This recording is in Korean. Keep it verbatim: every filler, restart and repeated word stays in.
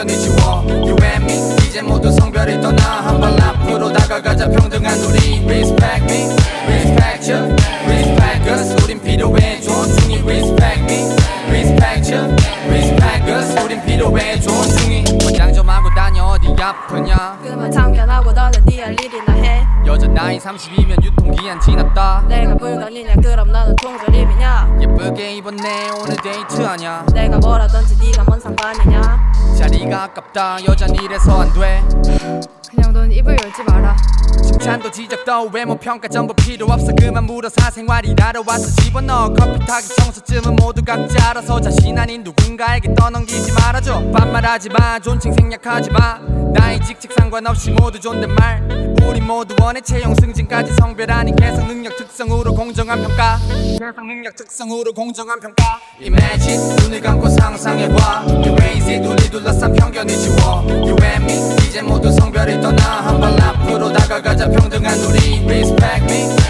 편견을 지워 You and me 이제 모두 성별을 떠나 한 발 앞으로 다가가자 평등한 우리 Respect me, respect you, respect us 우린 필요해 존중이 Respect me, respect you, respect us 우린 필요해 존중이 원장 좀 하고 다녀 어디 아프냐 그만 참견하고 너는 네 할 일이나 해 여자 나이 삼십이면 유통기한 지났다 내가 물건이냐 그럼 너는 통조림이냐 예쁘게 입었네 오늘 데이트하냐 내가 뭐라던지 네가 뭔 상관이냐 자리가 아깝다 여잔 이래서 안돼 그냥 넌 입을 열지 마라 칭찬도 지적도 외모 평가 전부 필요 없어 그만 물어 사생활이라러 와서 집어넣어 커피 타기 청소쯤은 모두 각자 알아서 자신 아닌 누군가에게 떠넘기지 말아줘 반말하지 마 존칭 생략하지 마 나이 직책 상관없이 모두 존댓말 우리 모두 원해 채용 승진까지 성별 아닌 개성 능력 특성으로 공정한 평가 개성 능력 특성으로 공정한 평가 Imagine 눈을 감고 상상해봐 Erase it 우리 둘러싼 편견을 지워 You and me 이제 모두 성별을 떠나 한 발 앞으로 다가가자 평등한 우리 Respect me